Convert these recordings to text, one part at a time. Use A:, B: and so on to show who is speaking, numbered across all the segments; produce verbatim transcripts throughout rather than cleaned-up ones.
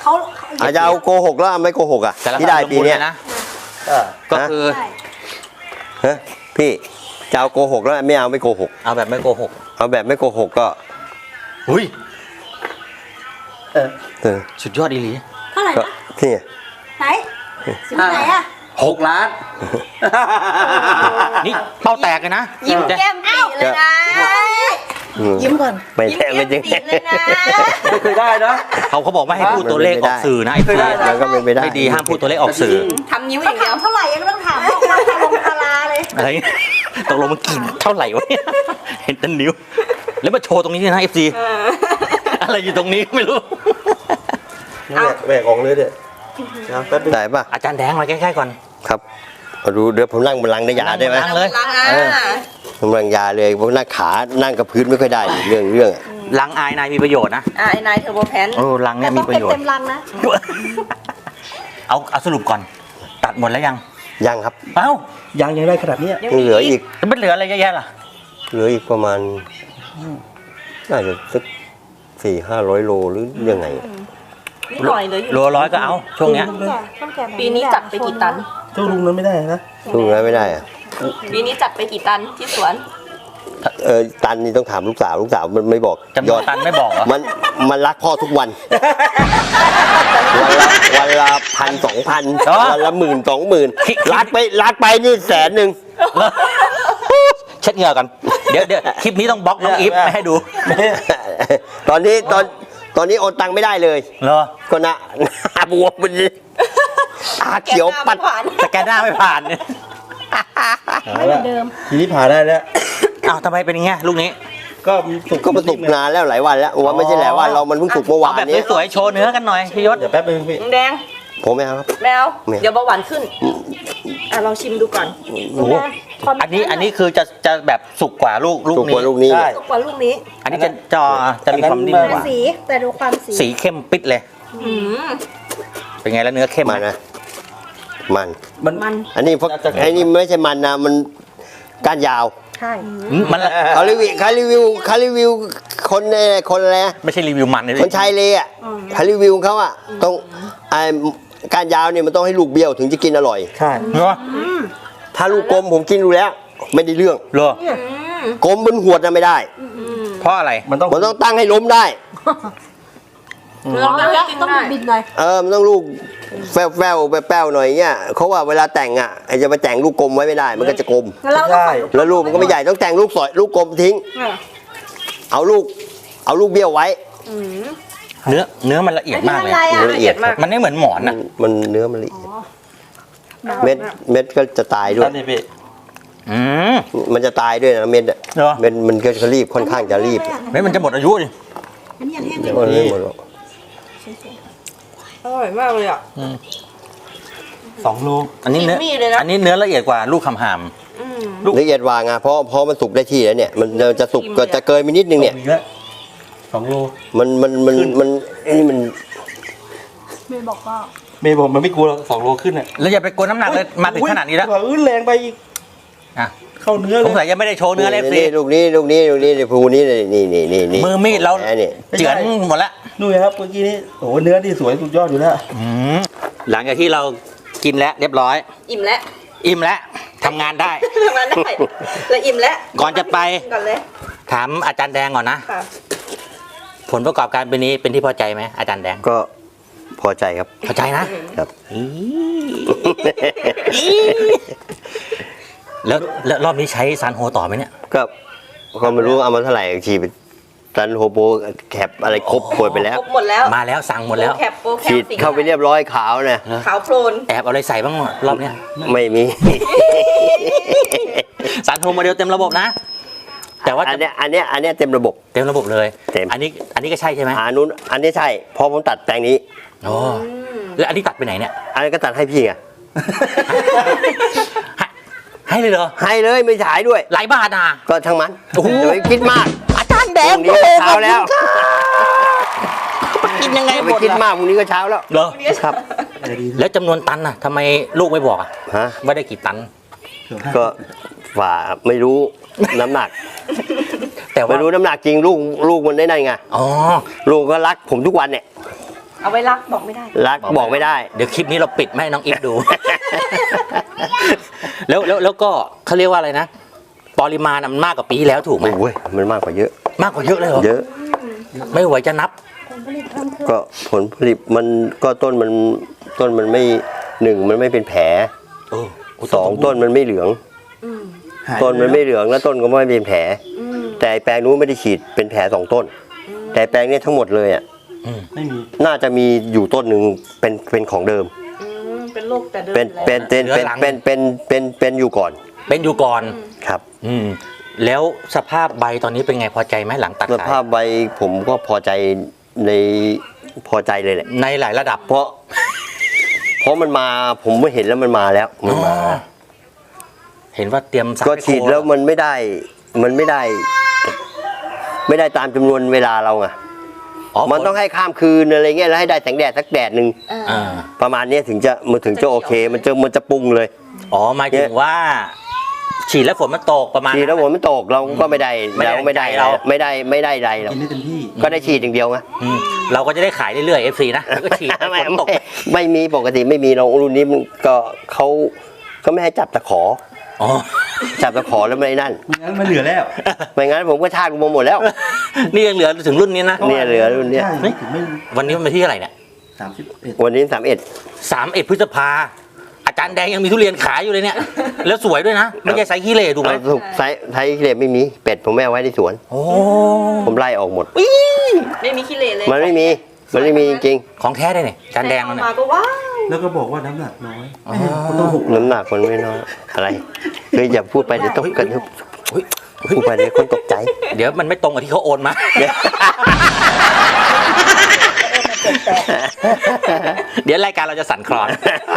A: เขา
B: อาจจะเอาโกหกแล้วไม่โกหกอ่ะที่ได้ปีนี้
C: นะก็คือ
B: ฮะพี่จะเอาโกหกแล้วไม่เอาไม่โกหก
C: เอาแบบไม่โกหก
B: เอาแบบไม่โกหกก็
C: หุ้ย
B: เออ
C: สุดยอดอีหลี
A: เท่าไหร่นะ
B: นี่
A: ไหนสิบไหนอ่ะ
C: หกล้านนี่เป้าแตกเลยนะ
A: ยิ้มแก้มปีเลยนะยิ้มก่อน
B: ไม่แท้ไม่จริง
C: ไม่เคยได้นะเขาเขาบอกไม่ให้พูดตัวเลขออกสื่อนะไอ้เคยได้
B: แล้วก็ไม่ได้
C: ไม่ดีห้ามพูดตัวเลขออกสื่อ
A: ทำนิ้วอย่างเดียวเท่าไหร่ยังต้องถามบอกว่าลงคาราเลย
C: อะไรตกลงมันกินเท่าไหร่วะเนี่ยเห็นแต่นิ้วแล้วมาโชว์ตรงนี้นะเอฟซีอะไรอยู่ตรงนี้ไม่รู้
B: แบกออกเลยเด็ดได้ป่ะ
C: อาจารย์แดงมาใกล้ๆก่อน
B: ครับมาดูเดี๋ยวผมนั่งบนหลังในยาได้ไหม
C: นั่งเลย
B: ผมนั่งยาเลยผมนั่งขานั่งกับพื้นไม่ค่อยได้เรื่องเรื่อง
C: ลังอายนายมีประโยชน์นะ
A: อายนายเทอร์โบแพน
C: โอ้ลังเนี่ยมีประโยชน์
A: เต็มลังนะ
C: เอาเอาสรุปก่อนตัดหมดแล้วยัง
B: ยังครับ
C: เอ้า
D: ยังยังได้ขนาดนี้
B: ยังเหลืออีก
C: มันเหลืออะไรเยอะแยะล่ะ
B: เหลืออีกประมาณน่าจะสักสี่ห้าร้อยโลหรือยังไง
A: นิดหน่อยเลย
C: โลร้อยก็เอาช่วงเนี้ย
A: ปีนี้จัดไปกี่ตัน
D: เจ้าลุงนั้นไม่ได้นะ
B: ลุงนั้นไม่ได้อะ
A: ปีนี้จัดไปกี่ตันที่สวน
B: เออตันนี่ต้องถามลูกสาวลูกสาวมันไม่บอก
C: จำนวนตันไม่บอกเหรอ
B: มันมันรักพ่อทุกวันวันละวันละพันสองพันวันละหมื่นสองหมื่นรักไปรักไปนี่แสนหนึ่ง
C: เช็ดเหงื่อกันเดี๋ยวเดี๋ยวคลิปนี้ต้องบล็อกน้องอีฟไม่ให้ดู
B: ตอนนี้ตอนตอนนี้โอนตังไม่ได้เลย
C: เหรอ
B: ก็นะหน้าบวมมันตาเขียวปัด
C: สแกนหน้าไม่ผ่านเนี่ย
D: ไม่เหมือนเดิมทีนี้ผ่านได้แล้ว
C: อ้าวทำไมเป็นอย่างเงี้ยลูกนี้
D: ก็สุก
B: ก็มันสุกนานแล้วหลายวันแล้วว่าไม่ใช่หลายวันเรามันเพิ่งสุกเมื่อวานนี้
C: แบบสวยๆโชว์เนื้อกันหน่อยพี่ยศ
D: เดี๋ยวแป๊บนึงพี่
A: แดง
B: ผมไม่เอาครับ
A: แมวเดี๋ยวเบาหวานขึ้นอ่ะลองชิมดูก่อน
C: โอ้อันนี้อันนี้คือจะจะแบบสุกกว่าลูกลูกนี้
B: สุกกว่าลูกนี้
A: ใช่สุกกว่าลูกนี้
C: อันนี้จะจอจะมีความนิ่มกว่า
A: สีแต่ดูความสี
C: สีเข้มปิดเลยเป็นไงแล้วเนื้อเข้ม
B: มันนะมัน
A: มัน
B: อันนี้เพราะอันนี้ไม่ใช่มันนะมันก้านยาว
A: ใช่
C: มัน
B: เขารีวิวเขารีวิวเขารีวิวคนในคนอะไร
C: ไม่ใช่รีวิวมันเลย
B: คนชายเลยอ่ะเขารีวิวเขาอ่ะต้องไอ้การยาวเนี่ยมันต้องให้ลูกเบี้ยวถึงจะกินอร่อย
C: ใช่เหรอ
B: ถ้าลูกกลมผมกินดูแล้วไม่ได้เรื่อง
C: เหรอ
B: กลมบนหัวน่ะไม่ได้
C: เพราะอะไร
B: มันต้องมันต้องตั้งให้ล้มได้
A: ต้องต้องบินหน่อย
B: เออมันต้องลูกแฝวแฝวแป้วหน่อยเงี้ยเขาว่าเวลาแต่งอ่ะไอ้จะไปแต่งลูกกลมไว้ไม่ได้มันก็จะกลม
A: ใช่
B: แล้วลูกมันก็ไม่ใหญ่ต้องแต่งลูกสอยลูกกลมทิ้งเอาลูกเอาลูกเบี้ยวไว้
C: เนื้อเนื้อมันละเอียดมากเลย
B: ละเอียดมาก
C: มันไม่เหมือนหมอนอ่ะ
B: มันเนื้อมันละเอียดเม็ดเม็ดก็จะตายด้วย
C: อืม
B: มันจะตายด้วยนะเม็ดอ่ะเม็ดมันก็จะรีบค่อนข้างจะรีบ
C: เม็ดมันจะหมดอายุดิ
A: อันนี้ยังแห้งไม่หมดอร่อยมากเลยอ่ะ
C: สองโลอันนี้เนื้ออันนี้เนื้อละเอียดกว่าลูกคำหาม
B: ละเอียดกว่าไงเพราะเพราะมันสุกได้ที่แล้วเนี่ยมันจะสุกก็จะเกินไปนิดนึงเนี่ย
D: สองโล
B: มันมันมันมันนี่มัน
A: เมย์บอกว่า
D: เมย์บอกมันไม่กลัวสองโลขึ้นอ่ะ
C: แล้วอย่าไปกลัวน้ำหนักเลยมาถึงขนาดนี้แล้ว
D: อื้อแรงไปอีก
C: อ่ะ
D: เข้าเนื้อเลย
C: สงสัยยังไม่ได้โชว์เนื้อเลยสิ
B: ลูกนี้ลูกนี้ลูกนี้ในภูนี้เลยนี่นี่นี่นี่
C: มือมีดเราเจือนหมดแล้ว
D: ดูครับเมื่อกี้นี้โอ้เนื้อที่สวยสุดยอดอยู่แล้ว
C: หลังจากที่เรากินแล้วเรียบร้อย
A: อิ่มแล้ว
C: อิ่มแล้วทำงานได้
A: ทำงานได้แล้วอิ่มแล้ว
C: ก่อนจะไป
A: ก่อนเลย
C: ถามอาจารย์แดงก่อนนะผลประกอบการปีนี้เป็นที่พอใจไหมอาจารย์แดง
B: ก็พอใจครับ
C: พอใจนะครับแล้วแล้วรอบนี้ใช้ซานโฮต่อไหมเนี่ย
B: ก็ก็ไม่รู้เอามาเท่าไหร่ฉีดซันโฮโบแคปอะไรครบหมดไปแล้ว
A: หมดแล้ว
C: มาแล้วสั่งหมดแล้ว
B: ฉีดเข้าไปเรียบร้อยขาวเนี่ย
A: ขาวโพลน
C: แอบเอาอะไรใส่บ้างรอบเนี้ย
B: ไม่มี
C: ซันโฮโมเดลเต็มระบบนะแต่ว่า
B: อันเนี้ยอันเนี้ยอันเนี้ยเต็มระบบ
C: เต็มระบบเลย
B: เต็ม
C: อันนี้อันนี้ก็ใช่ใช่ไหม
B: อันนู้นอันนี้ใช่พอผมตัดแปลงนี้
C: อ๋อแล้วอันนี้ตัดไปไหนเนี่ย
B: อันนี้ก็ตัดให้พี่ไง
C: ให้เลยเหรอ
B: ให้เลยไม่ฉายด้วย
C: หลายบาทอ่ะ
B: ก็ทั้งมันอย่าไปคิดมาก
C: อาจารย์แดง
B: นี้เช้าแล้ว
C: กินยังไง
B: ไปคิดมากพรุ่งนี้ก็เช้าแล้ว
C: เหรอ
B: ครับ
C: แล้วจำนวนตันน่ะทำไมลูกไม่บอกอ่ะ
B: ฮะ
C: ว่าได้กี่ตัน
B: ก็ฝ่าไม่รู้น้ำหนัก
C: แต่ว่า
B: ไม่รู้น้ำหนักจริงลูกลูกมันได้ไงอ๋อลูกก็รักผมทุกวันเนี่ย
A: เอาไว้รักบอกไม่ได้
B: รักบอกไม่ได้
C: เดี๋ยวคลิปนี้เราปิดไม่ให้น้องอิฟดู แล้วแล้วแล้วก็เขาเรียกว่าอะไรนะปริมาณมันมากกว่าปีที่แล้วถูกไหม
B: โอ้ยมันมากกว่าเยอะ
C: มากกว่าเยอะเลยเหรอ
B: เยอะ
C: ไม่ไหวจะนับ
B: ก็ผลผลิตมันก็ต้นมันต้นมันไม่หนึ่งมันไม่เป็นแผล
C: เออ
B: สองต้นมันไม่เหลือง
A: อืม
D: หาย
B: ต้นมันไม่เหลืองแล้วต้นก็ไม่เป็นแผล
A: อืม
B: แต่แปลงนู้นไม่ได้ฉีดเป็นแผลสองต้น แต่แปลงเนี้ทั้งหมดเลยอ่ะ
D: ไม่มี
B: น่าจะมีอยู่ต้นหนึ่งเป็นเป็นของเดิม
A: อืมเป็นโรคแต่เดิม
B: เป็น
A: อยู่แล้ว
B: เป็นเป็นเป็นเป็นเป็นเป็นเป็นอยู่ก่อน
C: เป็นอยู่ก่อน
B: ครับ
C: อืมแล้วสภาพใบตอนนี้เป็นไงพอใจไหมหลังตัด
B: ส
C: ขาย
B: ภาพใบผมก็พอใจในพอใจเลยแหละ
C: ในหลายระดับ
B: เพราะ เพราะมันมาผมไม่เห็นแล้วมันมาแล้วมันมา
C: อ๋อเห็นว่าเตรียมสาร
B: ก็ฉีดแล้วมันไม่ได้ มันไม่ได้ ไม่ได้ตามจำนวนเวลาเราไง
C: อ๋อ
B: มันต้องให้ข้ามคืนอะไรเงี้ยแล้วให้ได้แสงแดดสักแดดหนึ่ง
A: อ่า
C: อ่า
B: ประมาณเนี้ยถึงจะมันถึงจะโอเค มันจะมันจะปรุงเลย
C: อ๋อหมายถึงว่า ฉีดแล้วฝนมันตกประมาณ
B: ฉีดแล้วฝนไม่ตกเราก็ไม่ได้
C: ไม่ได้
B: เราไม่ได้
C: เรา
B: ไม่ได้ไม่ได้ใดเรา
D: กินได้เต็มที่
B: ก็ได้ฉีดอย่างเดียวไง
C: อืมเราก็จะได้ขายเรื่อยๆ เอฟ ซี นะแล้วก็ฉีดให้
B: ไม่
C: ฝนตก
B: ไม่ไม่มีปกติไม่มีเรารุ่นนี้มันก็เขาเขาไม่ให้จับตะขอ
C: อ๋อ
B: จับตะขอแล้วไม่ได้นั่น
D: ไม่งั้นมันเหลือแล้ว
B: ไม่งั้นผมก็ชาติกูมาหมดแล้ว
C: นี่ยังเหลือถึงรุ่นนี้นะ
B: เนี่ยเหลือรุ่นเนี้ย
D: ใช่ไม่ถึงไม่
C: วันนี้มันเป็นที่อะไรเนี่ย
D: สามสิบเอ็ด
B: วันนี้สามเอ็ด
C: สามเอ็ดพฤษภาอาจารย์แดงยังมีทุเรียนขายอยู่เลยเนี่ย แล้วสวยด้วยนะ ไม่ใช่ไซส์ขี้เหร่ถูกไหม
B: ถูกไซส์ไทยเกรดไม่มีเป็ดผมไม่เอาไว้ในสวน
C: โอ้
B: ผมไล่ออกหมด
A: ไม่มีขี้เหร่เลย
B: มันไม่มีมันไม่มีจริง
C: ของแท้ได้เนี่ยอาจารย์แดง
A: เอา
C: แล้วเนี่ย
A: มาก็ว้าว
D: แล้วก็บอกว่าน้ำหนักน้อย
C: อ๋อ
D: มันต้องหก
B: ๆน้ำหนักมันไม่น้อยอะไรคืออย่าพูดไปเดี๋ยวตกกัน
C: เฮ้ย
B: พูดไปเดี๋ยวคนตกใจ
C: เดี๋ยวมันไม่ตรงกับที่เขาโอนมา เดี๋ยวรายการเราจะสั่นคลอน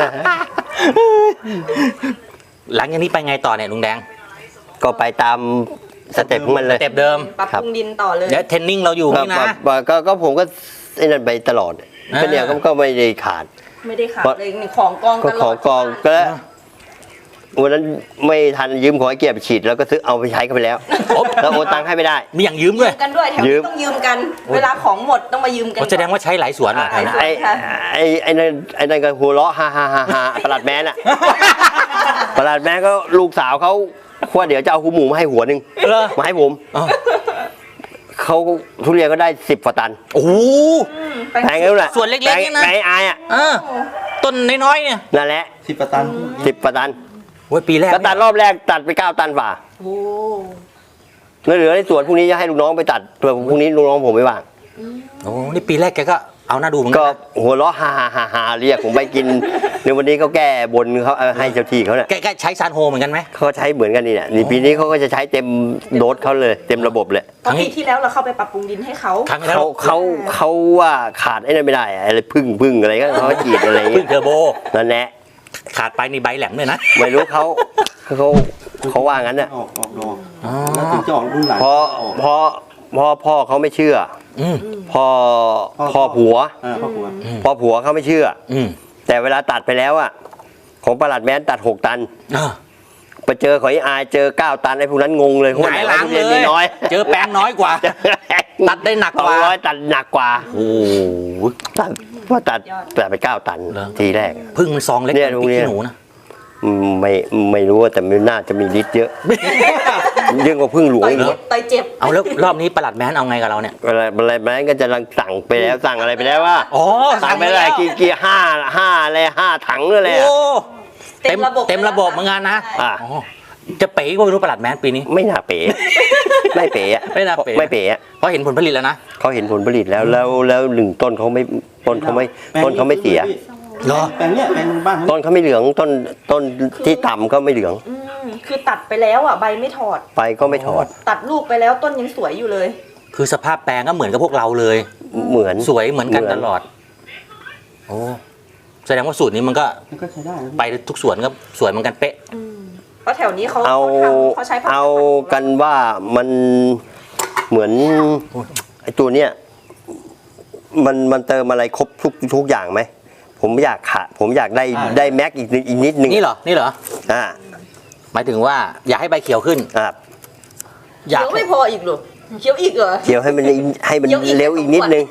C: หลังจากนี้ไปไงต่อเนี่ยลุงแดง
B: ก็ไปตามสเต็ปของมันเลย
C: สเต็ปเดิม
A: ปรับปรุงดินต่อเลย
C: เดี๋ยวเทรนนิ่งเราอยู่นี่นะ
B: ก็ก็ก็ผมก็ไอ้นั่นไปตลอด
C: อ่า
B: ก็เนี่ยก็ก็ไม่ได้ขาด
A: ไม่ได้ขาดเลยนี่ของกอง
B: ก็
A: ตล
B: ข
A: อ
B: อ
A: ด
B: กองก็แล้ววันนั้นไม่ทันยืมขอไอ้เกียร์ไปฉีดแล้วก็ซื้อเอาไปใช้กันไปแล้ว
C: โอ้
B: แล้วโอนตังค์ให้ไม่ได้
C: มีอย่างยืม
A: ยื
C: ด้วย
A: มกันด้วยแถว
B: ยื
A: นี้
B: ม
A: ต้องยืมกัน เวลาของหมดต้องมายืมกัน
C: โอ้แสดงว่าใช้หลายสวนเหรอแถวนั้น
A: ใช่
B: ไอ้
A: ค่ะ
B: ไอ้ไอ้นั่นไอ้นั่นก็หัวเราะฮ่าฮ่าฮ่าฮ่าประหลัดแมนอะประหลัดแมนก็ลูกสาวเขาว่าเดี๋ยวจะเอาหูหมูมาให้หัวหนึ่ง
C: เหรอ
B: มาให้ผม
C: อ๋อ
B: เขาทุเรียนก็ได้สิบกว่าตัน
C: โอ้โห
A: อืม
B: แพงแล้วแหละ
C: ส่วนเล็กๆเนี่ยนะ
B: แพงไอ้อายอะ
C: เออต้นน้อยๆเนี่ย
B: นั่นแหละ
D: สิบประตัน
B: สิบกว่าตัน
C: โอ้ยปีแรก
B: ก็ตัดรอบแรกตัดไปเก้าตันฝ่า
A: โอ้
B: แล้วเหลือในสวนพรุ่งนี้จะให้ลูกน้องไปตัดเผื่อพรุ่งนี้ลูกน้องผมไม่ว่าง
C: โอ้นี่ปีแรกแกก็เอาหน้าดูเหมือน
B: ก็
C: กันนะ
B: หัวเราะฮ่าฮ่าฮ่าฮ่าเรียกผมไปกิน ในวันนี้เขาแก้บนเขาเอาให้เจ้าที่เขาเนี่ย
C: แกแกใช้ซานโฮเหมือนกันไหม
B: เขาใช้เหมือนกันนี่แหละนี่ปีนี้เขาก็จะใช้เต็มโดสเขาเลยเต็มระบบเลย
A: ตอนปีที่แล้วเราเข้าไปปรับปรุงดินให้เขา
C: ครั้งที่แล้ว
B: เขาเขาเขาว่าขาดไอ้นั่นไม่ได้อะอะไรพึ่งพึ่งอะไรก็เขาฉีดอะไร
C: พึ่
B: เงี้
C: ง
B: ย
C: เทอร์โบ
B: นั่นแหละ
C: ขาดไปนี่ใบแหลมเลยนะ
B: ไม่รู้เขาเขาเขาว่างั้นน่ะ
D: ออกออกดอก
C: อ๋อ
D: แล้วถึงจะออกรุ่นหลัง
B: พอ
D: ออก
B: พอพอพ่อเขาไม่เชื่อ
C: อืม
B: พ่อ
D: พ่อ
B: พ่อผัว
D: อ่าพ่อผัว
B: พ่อผัวเขาไม่เชื่อ
C: อืม
B: แต่เวลาตัดไปแล้วอะของประหลัดแม้นตัดหกตัน
C: อ่า
B: ไปเจอของไอ้อายเจอเก้าตันไอ้พวกนั้นงงเลย
C: หงายหลัง
B: ทุรีน
C: เล
B: มี
C: ย
B: น้อย
C: เจอแปลงน้อยกว่า ตัดได้หนักกว่า
B: สองร้อยตัดหนักกว่า
C: โอ้โห
B: ตัดว่าตัดตัดไปเก้าตัน
C: เหรอ
B: ทีแรก
C: พึ่งมันซองเล็ก
B: เนี่
C: ก
B: ย
C: ว่า
B: โรง
C: พริก
B: เรียน
C: ขี้หนูนะ
B: อืมไม่ไม่รู้ว่าแต่มันน่าจะมีฤทธิ์เยอะยิ่งกว่าพึ่งหลวง
A: ต่อย
B: อีก
A: เจ็บต่อยเจ็บ
C: เอาแล้วรอบนี้ประหลัดแมนเอาไงกับเราเนี่ย
B: อะไรอะไรแม้นก็จะลังสั่งไปแล้วสั่งอะไรไปแล้วว่า
C: อ๋อ
B: สั่งไปอะไรกี่กี่ห้าห้าอะไรห้าถังหรืออะไร
C: โอ้
B: อะ
C: เต็มเต็มระบบเหมือนกันนะ
B: อ่ะ
C: อ๋อจะเป๋ก็ไม่รู้ประหลัดแมนปีนี้
B: ไม่น่าเป๋ไม่เป๋อะ
C: ไม่น่าเป๋
B: ไม่เป๋อะ
C: เพราะเห็นผลผลิตแล้วนะ
B: เขาเห็นผลผลิตแล้วแล้วแล้วหนึ่งต้นเขาไม่ต้นเขาไม่ต้นเขาไม่เสีย
C: เหรอ
D: แปลงเนี้ยแปลงบ้าน
B: ต้นเขาไม่เหลืองต้นต้นที่ต่ำก็ไม่เหลือง
A: อืมคือตัดไปแล้วอ่ะใบไม่ถอด
B: ไปก็ไม่ถอด
A: ตัดลูกไปแล้วต้นยังสวยอยู่เลย
C: คือสภาพแปลงก็เหมือนกับพวกเราเลย
B: เหมือน
C: สวยเหมือนกันตลอด โอ้แสดงว่าสูตรนี้มันก็
D: มันก็ใช้ได้นะ
C: ไปทุกสวนก็สวยเหมือนกันเป๊ะ
A: อืมเพราะแถวนี้เขา
B: เอา
A: เขาทำเขาใช้ผลิตภัณฑ์
B: เอากันว่ามันเหมือนไอ้ตัวเนี้ยมันมันเติมอะไรครบทุกทุกอย่างไหมผมอยากขาผมอยากได้ได้แม็กอีกนิดอีกนิดนึง
C: นี่เหรอ นี่เหรอ
B: อ่า
C: หมายถึงว่าอยากให้ใบเขียวขึ้น
B: อ่า
C: อยาก
A: เขียวไม่พออีกเหรอเขียวอีกเหรอ
B: เกี่ยวให้มันให้มัน
A: เดี๋ยวอีก
B: เร็วอีกนิดนึง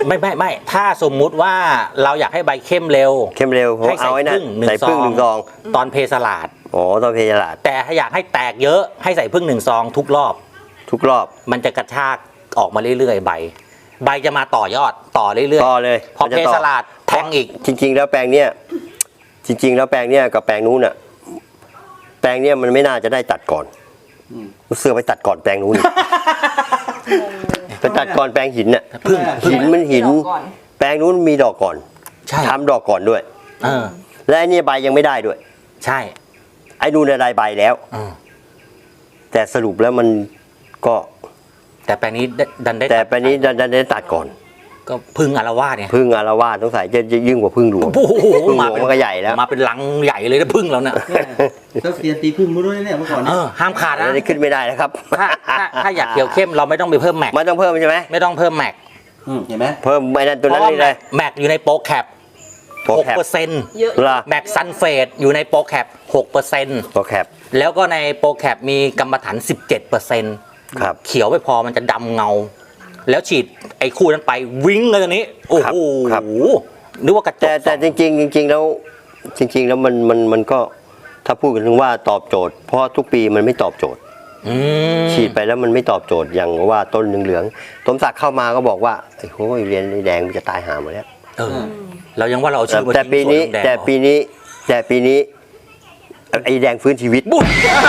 C: ไม่ไม่ไม่ถ้าสมมุติว่าเราอยากให้ใบเข้มเร็ว
B: เข้มเร็วผม
C: ให้ใส่
B: เอาไว้นะ
C: พึ่งหนึ่ง
B: ใส่พึ่ง
C: ซอง
B: หนึ่งซอง
C: ตอนเพสลาด
B: อ๋อตอนเพลลาด
C: แต่ถ้าอยากให้แตกเยอะให้ใส่พึ่งหนึ่งซองทุกรอบ
B: ทุกรอบ
C: มันจะกระชากออกมาเรื่อยๆใบ ใบจะมาต่อยอดต่อเรื่อย
B: ต่อเลย
C: ๆพอ
B: มันจะ
C: เพ
B: ต่อ
C: สลาดแทงอีก
B: จริง ๆ แล้วแปลงเนี้ยจริง ๆ แล้วแปลงเนี้ยกับแปลงนู้นอ่ะแปลงเนี้ยมันไม่น่าจะได้ตัดก่อนเสือไปตัดก่อนแปลงนู้นอีกไปตัดก่อนแปลงหินน่ะ
C: พึ่ง
B: หินมันหิน
A: ดอกก่อน
B: แปลงนู้นมีดอกก่อน
C: ใช่
B: ทำดอกก่อนด้วย
C: เออ
B: และไอ้เนี่ยใบยังไม่ได้ด้วย
C: ใช่
B: ไอ้นู่นน่ะได้ใบแล้ว
C: อืม
B: แต่สรุปแล้วมันก็
C: แต่แปลงนี้ได้ดันได้
B: แต่แปลงนี้ดันดันได้ตัดก่อน
C: ก็พึ่งอารวาสเนี่ย
B: พึ่งอารวาสสงสัยจะจะยิ่งกว่าพึ่งหลวง
C: โอ้โห
B: พึ่งหล
C: มาว
B: ง
C: เป็น
B: มันก็ใหญ่แล้ว
C: มาเป็นลังใหญ่เลยนะพึ่งเราเนี่ย
D: เจ้าเสียนตีพึ่งมาด้วยเนี่ยเมื่อก่อน
C: เออห้ามขาดนะ
B: อันนี้ขึ้นไม่ได้นะครับ
C: ถ้าถ้าถ้าอยากเขียวเข้มเราไม่ต้องไปเพิ่มแม็ก
B: ไม่ต้องเพิ่มใช่ไหม
C: ไม่ต้องเพิ่มแม็ก
D: อืมเห็นไหม
B: เพิ่มไอ้นั่นตัว
C: เพ
B: นั้น
C: ราะว่า
B: เลย
C: แม็
B: เลย
C: กแม็กอยู่ในโปรแคป
B: โปร
C: หก
B: แคป
C: เปอร์เซ็นต์
A: เยอะ
B: ล่ะ
C: แม็กซันเฟดอยู่ในโปรแคปหกเปอร์เซ็นต์
B: โปรแคป
C: แล้วก็ในโปรแคปมีกรรมฐานสิบเจ็ดเปอร์เซ็นต์
B: ครับ
C: เขียวไม่พอมันจะดำเงา แล้วฉีดไอ้คู่นั้นไปวิ่งเลยตอนนี้ โอ้
B: ครับ
C: โห
B: ครับ
C: นึกว่ากระจก
B: แต่แต่จริงๆจริง ๆ แล้วจริง ๆ แล้วมันมันมันก็ถ้าพูดกันถึงว่าตอบโจทย์ เพราะทุกปีมันไม่ตอบโจทย์
C: อืม
B: ฉีดไปแล้วมันไม่ตอบโจทย์อย่างว่าต้นเหลืองๆสมศักดิ์เข้ามาก็บอกว่าไอ้โหเรียนแดงมันจะตายหาหมดแล้ว
C: เออเรายังว่าเราเอาชื่อมา
B: แต่ปีนี้
C: ทิ้งสวลุงดง
B: แต่ปีนี้แต่ปีนี้ไอ้แดงฟื้นชีวิต
C: บุ๊บ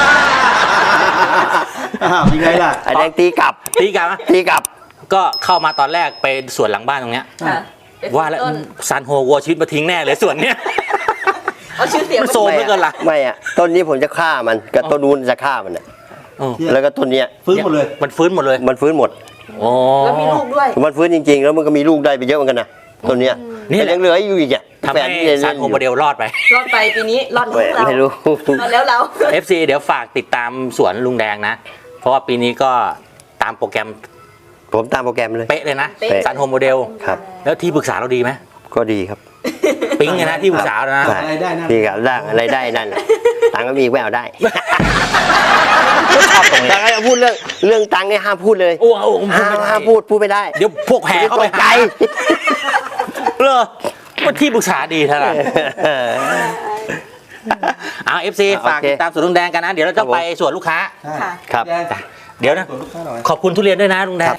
D: อ้าวยังไงล่ะ
B: ไอ้แดงตีกลับ
C: ตีกันไหม
B: ตีกลับ
C: ก็เข้ามาตอนแรกไปสวนหลังบ้านตรงเนี้ย
A: ค่ะไป
C: ว่าแล้ว
A: ต้น
C: ซันโฮวัวชีวิตมาทิ้งแน่เลยสวนเนี้ย
A: เอาชื่อเสียง
C: มันโซมเหลือเกินล่ะ
B: ไม่อะต้นนี้ผมจะฆ่ามันกับต้นนู้นจะฆ่ามันอะ
C: เออ
B: แล้วก็ต้นเนี้ย
D: ฟื้นหมดเลย
C: มันฟื้นหมดเลย
B: มันฟื้นหมด
C: โอ้
A: แล้วมีลูกด้วย
B: มันฟื้นจริงๆ แล้วมันก็มีลูกได้ไปเยอะเหมือนกันนะต้นเนี้ย
C: นี่แหละ
B: แต่ยังเหลืออยู่อีกอ่ะ
C: ทำ
B: แฝ
C: ให้
B: ดที่เล่น
C: ซันโฮ
B: อยู่
C: โมเดลรอดไป
A: รอดไปปีนี้รอด
B: แหม
A: แล้วเรา
B: ไม่รู้
A: รอดแล้วเรา
C: เอฟ ซี เดี๋ยวฝากติดตามสวนลุงแดงนะ เพราะว่าปีนี้ก็ตามโปรแกรม
B: ผมตามโปรแกรมเลย
C: เป๊ะเลยนะ
A: เป๊ะ
C: ซันโฮโมเดล
B: ครับ
C: แล้วที่ปรึกษาเราดีไหม
B: ก็ดีครับ
C: ปิ๊งเลยนะที่ปรึกษาเรานะ
D: อะไรได้นะ
B: ดีครับได้อะไรได้นั่นน่ะตังค์ก็มีแววได้
C: ชอบตรงนี้
B: แต่ก็จะพูดเรื่องเรื่องตังค์เนี่ยห้ามพูดเลย
C: โอ้โหผมพูด
B: ห้าม
C: ไม่ได้
B: ห้ามพูดพูดไม่ได้
C: เดี๋ยวพวกแห่เข้าไป
B: ตกใจ
C: หาเลอว่าที่ปรึกษาดีเท่าไหร่เอาเอฟซี
B: โอเค
C: ฝากติดตามสวนลุงแดงกันนะ เดี๋ยวเราจะไปสวนลูกค้า
D: ใช่
A: ค่ะ
B: ครับ
D: แดง
C: เดี๋ยวนะ
D: ส่วนลูกค้าหน่อย
C: ขอบคุณทุเรียนด้วยนะลุงแดง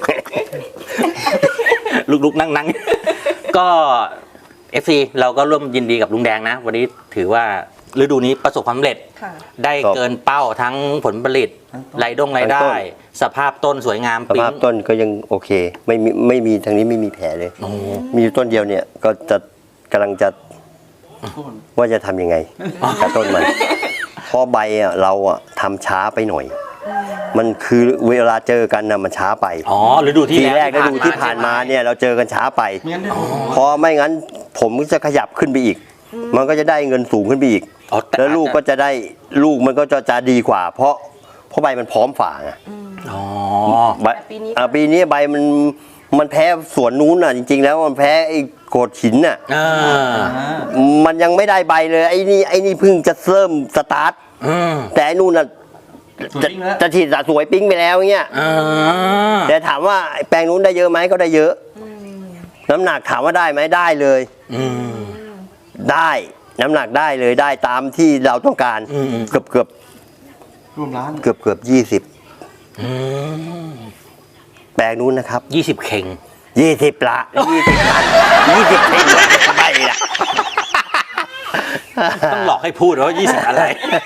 C: ลุกๆนั่งๆ ก็ เอฟ ซี เราก็ร่วมยินดีกับลุงแดงนะ วันนี้ถือว่าฤดูนี้ประสบความสำเร็จ
A: ค่ะ
C: ได้
B: ครับ
C: เกินเป้าทั้งผลผลิตรายดงรายได้
B: ทั้งต้น
C: สภาพต้นสวยงาม
B: ส
C: ปิ๊
B: ภาง พต้นก็ยังโอเค ไม่มีไม่มีทางนี้ไม่มีแผลเลย
C: โอ้
B: มีอยู่ต้นเดียวเนี่ยก็จะกำลังจะว่าจะทำยังไงกับต้นมันเพราะใบอ่ะเราอ่ะทำช้าไปหน่อย มันคือเวลาเจอกันนะมันช้าไป
C: อ๋อฤดูที่
B: ที
C: แล้ว
B: แรกฤดูที่ผ่านมาเนี่ยเราเจอกันช้าไป
D: ไม่งั้นได้
B: เพราะไม่งั้นผมจะขยับขึ้นไปอีก มันก็จะได้เงินสูงขึ้นไปอีก
C: อ๋อต่
B: แล้วลูกก็จะได้ลูกมันก็จะจะดีกว่า เพราะเพราะใบมันพร้อมฝ่าไง
C: อ๋อ
B: ใบ
A: แต่ปีนี้
B: อ่ะปีนี้ใบมันมันแพ้สวนนู้นน่ะจริง ๆ แล้วมันแพ้ไอ้โกดหินน่ะ
C: อ่า
D: อ่า
B: มันยังไม่ได้ใบเลยไอ้นี่ไอ้นี่เพิ่งจะเริ่มสตาร์ท
C: อืม
B: แต่ไอ้นู่นน่ะ
D: ส่วน
B: จะ
D: จริงแล้ว
B: จะฉีดสะสวยปิ้งไปแล้วเงี้ย
C: อ่า
B: แต่ถามว่าไอ้แปลงนู้นได้เยอะไหมก็ได้เยอะ น้ำหนักถามว่าได้ไหมได้เลย
C: อืม
B: ได้น้ำหนักได้เลยได้ตามที่เราต้องการ
C: อืม
B: เกือบเกือบ
D: รวมร้าน
B: เกือบเกือบยี่สิบ
C: อืม
B: แปลงนู้นนะครับ
C: ยี่สิบเข่ง
B: ยี่สิบละยี่สิบตันยี่สิบเซนใบละ
C: ต้องหลอกให้พูดว่ายี่สิบอะไร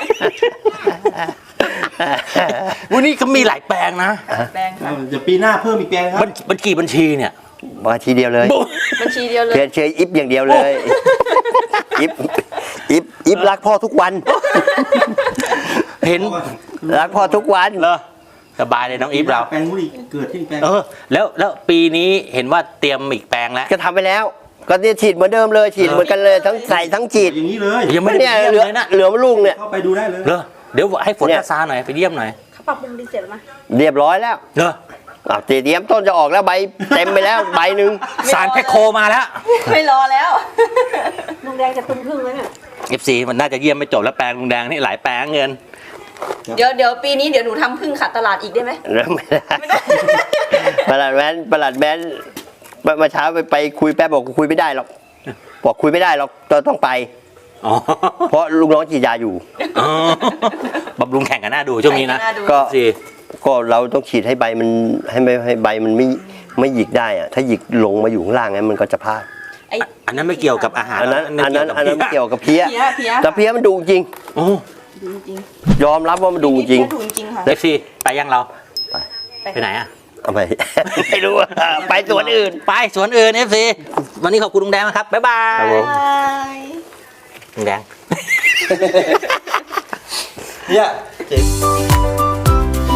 C: วันนี้ก็มีหลายแปลงนะ
A: แปลงค่ะ
D: เดี๋ยวปีหน้าเพิ่มอีกแปลงครั
C: บั
D: บ
C: ญบัญกี่บัญชีเนี่ย
B: มาทีเดียวเลย
A: บัญชีเดียวเลย
B: เชียร์เชียร์อิฟอย่างเดียวเลยอิฟอิฟอิฟรักพ่อทุกวัน
C: เห็น
B: รักพ่อทุกวัน
C: เหรอสบายเลยน้องอีฟเรา
D: แปลงนู้นอีกเกิดที่อีกแปลง
C: เออ แล้วแล้วปีนี้เห็นว่าเตรียมอีกแปลงแล้ว
B: ก็ทำไปแล้ว ก็เนี่ยฉีดเหมือนเดิมเลยฉีดเหมือนกันเลยทั้งใส่ทั้งฉีด
D: อย่างนี้เลย
C: ยังไม่ได้
B: เนี่ย
C: เยี่ยม
B: เหลือ
C: เลยนะ
B: เหลือลูกเนี่ย
D: เข้าไปดูได้เลย
C: เหรอเดี๋ยวให้ฝน
B: เนี่ย
C: ซาหน่อยไปเยี่ยมหน่อย
A: เขาปรับปรุงดีเสร็จแล้วมั้ย
B: เรียบร้อยแล้ว
C: เหรอ
B: อ่ะเตรียมต้นจะออกแล้วใบเต็มไปแล้วใบหนึ่ง
C: สารแพคโคมาแล้ว
A: ไม่รอแล้วลุงแดงจะตุ้มพึ่งแล้วเนี่ย
C: เอฟซีมันน่าจะเยี่ยมไม่จบแล้วแปลงลุงแดงนี่หลายแปลงเงิน
A: เดี๋ยวเดี๋ยวปีนี้เดี๋ยวหนูทำพึ่งขัดตลาดอีกได้ไหม
B: แล้วไม่ได้ประหลัดแว้นประหลัดแว้นเมื่อเช้าไปไปคุยแป๊บบอกคุยไม่ได้หรอกบอกคุยไม่ได้หรอกเราต้องไป
C: อ๋อ
B: เพราะลูกน้องฉีดยาอยู่
C: อ๋อบำรุงแข่งกันหน้าดูช่วงนี้นะ
B: ก็
C: สิ
B: ก็เราต้องฉีดให้ใบมันให้ไม่ให้ใบมันไม่ไม่หยิกได้อะถ้าหยิกลงมาอยู่ข้างล่างงั้นมันก็จะพลาด
A: ไอ้
C: อันนั้นไม่เกี่ยวกับอาหาร
B: อันนั้นอันนั้นอันนั้นไม่เกี่ยวกับเพี้ย
A: เพี้ยเพี้ย
B: แต่เพี้ยมันดูจริง
C: โอ้
A: ดูจริง
B: ยอมรับว่ามันดูจริง
A: ดูจริงค่ะ
C: เอฟซีไปยังเรา
B: ไป
C: ไปไหนอ่ะ
B: เอาไป ไม่รู้อะไปสวนอื่น
C: ไปสวนอื่นเอฟซีวันนี้ขอบคุณลุงแดงนะครับ บ๊ายบาย
B: ครับผม
A: บาย
C: ลุงแดง
D: เนี่ยเจ๋ง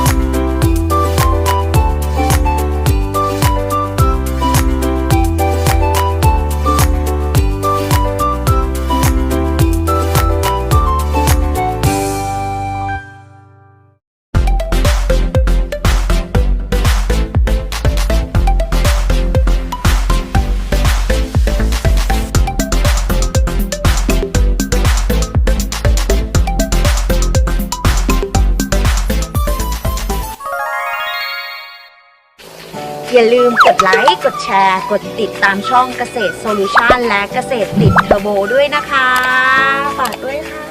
E: อย่าลืมกดไลค์ กดแชร์ กดติดตามช่องเกษตรโซลูชันและเกษตรติดเทอร์โบด้วยนะคะ ฝากด้วยค่ะ